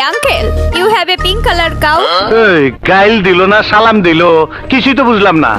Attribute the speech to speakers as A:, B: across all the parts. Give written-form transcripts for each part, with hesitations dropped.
A: uncle, you have a pink color cow?
B: এই গাইল দিল না সালাম দিল কিছুই তো বুঝলাম না।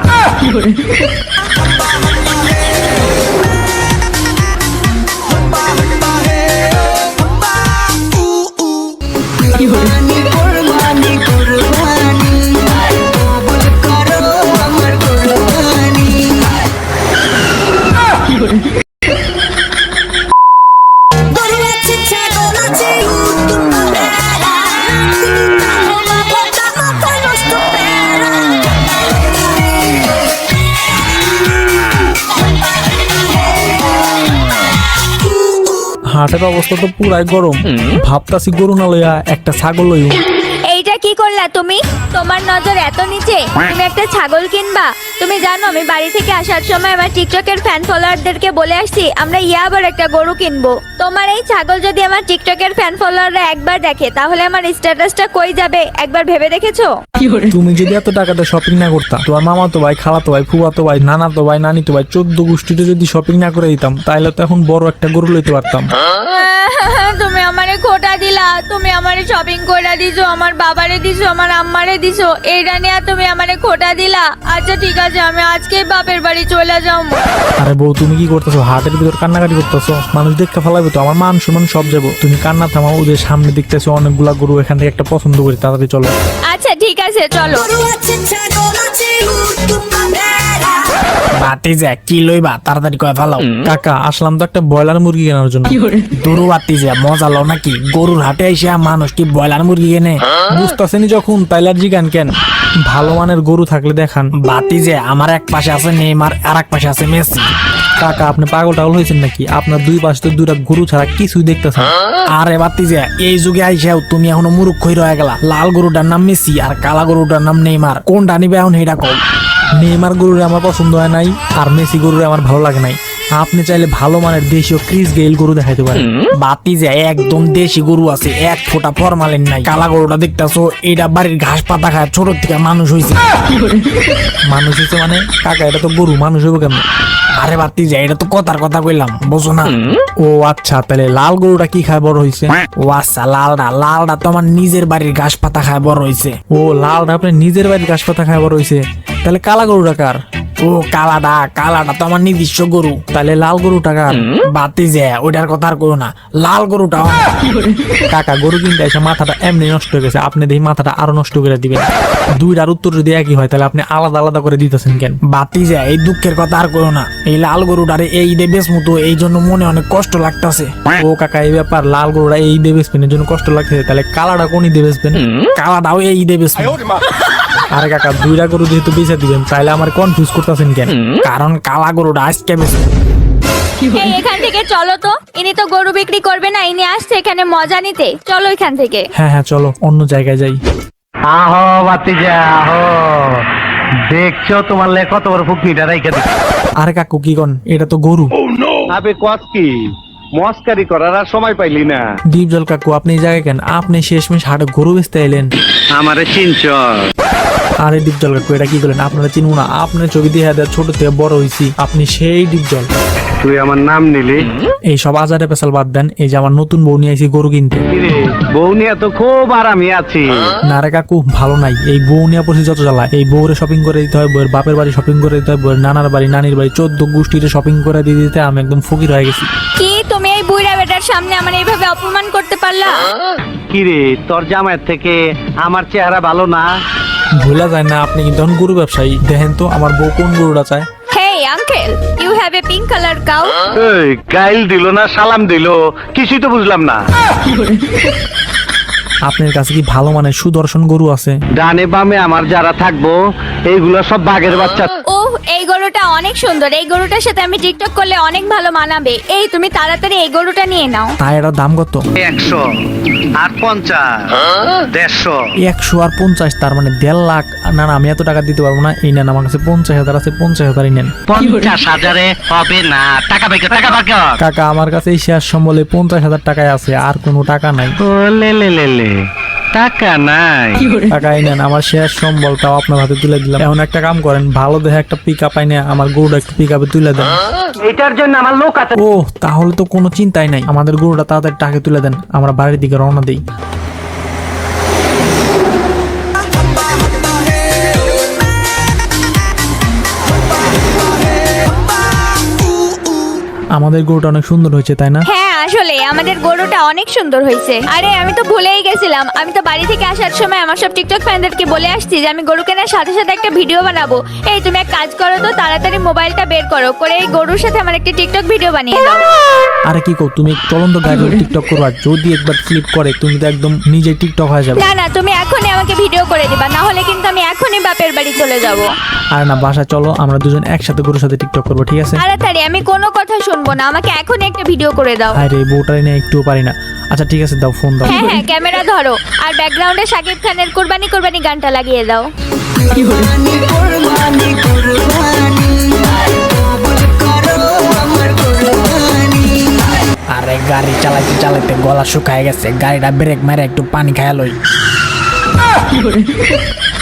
C: হাটের অবস্থা তো পুরাই গরম, ভাবতাছি গরু না লইয়া একটা ছাগল লইও।
A: এইটা কি করলা তুমি? তোমার নজর এত নিচে, তুমি একটা ছাগল কিনবা? তুমি জানো আমি বাড়ি থেকে আসার সময় আমার টিকটকের ফ্যান ফলোয়ারদেরকে বলে আসছি আমরা আবার একটা গরু কিনবো। তোমার এই ছাগল যদি আমার টিকটকের ফ্যান ফলোয়াররা একবার দেখে তাহলে আমার স্ট্যাটাসটা কই যাবে একবার ভেবে দেখেছো?
C: তুমি যদি এত টাকাতে শপিং না করতা, তোমার মামাতো ভাই, খালাতো ভাই, ফুফাতো ভাই, নানাতো ভাই, নানিতো ভাই 14 গোষ্ঠীতে যদি শপিং না করে দিতাম তাহলে তো এখন বড় একটা গরু লইতে পারতাম।
A: তুমি আমারে খোটা দিলা, তুমি আমারে শপিং করে দিছো, আমার বাবারে দিছো, আমার আম্মারে দিছো, এইটা নিয়ে তুমি আমারে খোটা দিলা। আচ্ছা ঠিক আছে, আমি আজকেই বাপের বাড়ি চলে যাও।
C: আরে বউ তুমি কি করতেছো? হাটের ভিতর কান্নাকাটি করতেছো, মানুষ দেখতে ফেলাবে তো, আমার মান সম্মান সব যাবো। তুমি কান্না থামাও, ওদের সামনে দেখতেছো অনেকগুলা গরু, এখান থেকে একটা পছন্দ করি, তাড়াতাড়ি চলো।
A: আচ্ছা ঠিক আছে চলো।
D: বাতি যা কি লইবা তাড়াতাড়ি কয়ে ফেলাও।
C: কাকা আসলাম তো একটা ব্রয়লার মুরগি কেনার জন্য।
D: দূর বাতি যা মজা লও নাকি? গরুর হাটে এসে মানুষ কি ব্রয়লার মুরগি কেনে?
C: বুঝতেছেনি যখন তাইলে আর জিগান কেন? ভালো মানের গরু থাকলে দেখান।
D: বাতি যে আমার এক পাশে আছে নেইমার আর এক পাশে আছে মেসি।
C: কাকা আপনি পাগল টাগল হয়েছেন নাকি? আপনার দুই পাশে তো দুইটা গরু ছাড়া কিছুই দেখতেছেন।
D: আরে বাতি যে এই যুগে আইসাও তুমি এখনো মুরুখ হয়ে রয়ে গেলা। লাল গরুটার নাম মেসি আর কালা গরুটার নাম নেইমার, কোনটা নিবে এখন হেটা কও।
C: নেইমার গরুরে আমার পছন্দ হয় নাই আর মেসি গরুরে আমার ভালো লাগে নাই। আপনি চাইলে ভালো মানের দেশীয় ক্রিস গেইল গরু দেখাইতে পারেন।
D: বাতি যে একদম দেশি গরু আছে, এক ফোঁটা ফরমালিন নাই। কালা গরুটা দেখতেছো, এটা বাড়ির ঘাস পাতা খায়, ছোট থেকে মানুষ হয়েছে।
C: মানুষ হচ্ছে মানে? কাকা এটা তো গরু, মানুষ হইব কেমন?
D: আরে বাতি যে এটা তো কথার কথা কইলাম, বুঝো না?
C: ও আচ্ছা, তাহলে লাল গরুটা কি খায় বড় হয়েছে?
D: ও আচ্ছা, লালটা তো আমার নিজের বাড়ির ঘাস পাতা খায় বড় হয়েছে।
C: ও লালটা আপনি নিজের বাড়ির ঘাস পাতা খায় বড় হয়েছে, তাহলে কালা গরুটা কার?
D: ও কালাটা তো আমার নিজস্ব গরু।
C: তাহলে লাল গরুটা কার?
D: বাতি যে ওইটার কথা আর করো না, লাল গরুটা
C: কাকা গরু কিনতে এসে মাথাটা এমনি নষ্ট হয়ে গেছে, আপনি দেখি মাথাটা আরো নষ্ট করে দিবেন। দুইটার উত্তর যদি একই হয় তাহলে আপনি আলাদা আলাদা করে দিতেছেন কেন?
D: বাতি যে এই দুঃখের কথা আর করো না, এই লাল গরুটারে এই ঈদে বেচমতো, এই জন্য মনে অনেক কষ্ট লাগতেছে।
C: ও কাকা এই ব্যাপার, লাল গরুটা এই ঈদে বেচবেন এর জন্য কষ্ট লাগছে, তাহলে কালাটা কোন ঈদে বেচবেন?
D: কালাটাও এই ঈদে বেচবো।
C: আরে কাকা দুইটা গরু যেহেতু বেচে দিবেন তাহলে আমার কনফিউজ করতেছেন কেন?
D: কারণ কালা গরুটা আজকে বেচবো।
A: এই এখান থেকে চলো তো, ইনি তো গরু বিক্রি করবে না, ইনি আসছে এখানে মজা নিতে। চলো এখান থেকে।
C: হ্যাঁ হ্যাঁ চলো অন্য জায়গায় যাই।
B: আহো বাতিজা আহো, দেখছো তোমার লে কত বড় ফুকনিটা রাইখা দিচ্ছে।
C: আরে কাকু কি কন, এটা তো গরু।
B: আবে কস কি মস্কারি করার আর সময় পাইলি না।
C: ডিপজল কাকু আপনি এই জায়গায় কেন? আপনি শেষমেশ হাটে গরু বেচতে এলেন।
B: আমারে চিনছ?
C: আরে ডিপজল কাকু এটা কি করলেন? আপনারা চিনবো না? আপনার ছবি দিয়ে ছোট থেকে বড় হয়েছি, আপনি সেই ডিপজল।
B: তুই আমার নাম নিলি?
C: এই সব আজারে পেশাল বাদ দেন, এই যে আমার নতুন বউ নিয়ে আইছি গরু কিনতে।
B: কিরে বউ নিয়ে তো খুব আরামে আছি।
C: না রে কাকু ভালো নাই, এই বউ নিয়ে পড়ছি যত জ্বালায়। এই বউরে শপিং করে দিতে হয়, বউয়ের বাপের বাড়ি শপিং করে দিতে হয়, বউয়ের নানার বাড়ি নানির বাড়ি 14 গোষ্ঠীতে শপিং করে দিয়ে দিতে আমি একদম ফকির হয়ে গেছি।
A: কি তুমি এই বুইড়া বেটার সামনে আমার এইভাবে অপমান করতে পারলা?
B: কিরে তোর জামাইয়ের থেকে আমার চেহারা ভালো না?
C: ভুলা যায় না আপনি কিন্তু এখন গরু ব্যবসায়ী। দেখেন তো আমার বউ কোন গরুটা চায়।
A: Hey uncle, you have a pink color cow?
B: এই গাইল দিল না সালাম দিল কিছুই তো বুঝলাম না।
C: আপনার কাছে কি ভালো মানের সুদর্শন গরু আছে?
B: ডানে বামে আমার যারা থাকবো এইগুলো সব বাঘের বাচ্চা।
A: ওহ এই গরুটা অনেক সুন্দর, এই গরুটার সাথে আমি টিকটক করলে অনেক ভালো মানাবে। এই তুমি তাড়াতাড়ি এই গরুটা নিয়ে নাও।
C: তাই এটার দাম কত?
B: 100 আর 50 150।
C: 100 আর 50 তার মানে 1.5 লাখ। না না আমি এত টাকা দিতে পারবো না, এই নেন আমার কাছে 50,000 আছে, 50,000 নেন।
B: 50,000-এ হবে না, টাকা পাইকা টাকা পাইকা।
C: কাকা আমার কাছে এই শেয়ার সম্বলে 50,000 টাকায় আছে, আর কোনো টাকা নাই।
B: ও লে লে লে লে টাকা নাই।
C: টাকা এই নেন, আমার শেয়ার সম্বলটাও আপনার হাতে তুলে দিলাম। এখন একটা কাম করেন, ভালো দেখে একটা পিকআপ আইনে আমার গরুটা একটু পিকআপে তুলে দেন।
B: এটার জন্য আমার লোক আছে।
C: ও তাহলে তো কোনো চিন্তাই নাই, আমাদের গরুটা তাড়াতাড়ি টাকা তুলে দেন, আমরা বাড়ির দিকে রওনা দেই। আমাদের গরুটা অনেক সুন্দর হয়েছে তাই না?
A: হ্যাঁ আসলে আমাদের গরুটা অনেক সুন্দর হয়েছে। আরে আমি তো ভুলেই গেছিলাম, আমি তো বাড়ি থেকে আসার সময় আমার সব টিকটক ফ্যানদেরকে বলে আসছি যে আমি গরু কেনার সাথে সাথে একটা ভিডিও বানাবো। এই তুমি এক কাজ করো তো, তাড়াতাড়ি মোবাইলটা বের করো, করে এই গরুর সাথে আমার একটা টিকটক ভিডিও বানিয়ে দাও।
C: আরে কি কও, তুমি চলন্ত গাড়ি টিকটক করবা, যদি একবার ক্লিক করে তুমি তো একদম নিজে টিকটক হয়ে যাবে।
A: না না, তুমি এখনই আমাকে ভিডিও করে দিবা, না হলে কিন্তু আমি এখনই বাপের বাড়ি চলে যাব।
C: আর না, বাসা চলো, আমরা দুজন একসাথে গরুর সাথে টিকটক করবো, ঠিক আছে?
A: তাড়াতাড়ি, আমি কোনো কথা শুনবো না, আমাকে এখনই একটা ভিডিও করে দাও।
C: আরে বউটাই না একটুও পারি না। আচ্ছা ঠিক আছে, দাও ফোন দাও।
A: হ্যাঁ হ্যাঁ, ক্যামেরা ধরো, আর ব্যাকগ্রাউন্ডে শাকিব খানের কুরবানি কুরবানি গানটা লাগিয়ে দাও।
D: আরে গাড়ি চালাইতে চালাইতে গলা শুকায় গেছে, গাড়িটা ব্রেক মেরে একটু পানি খায় লই।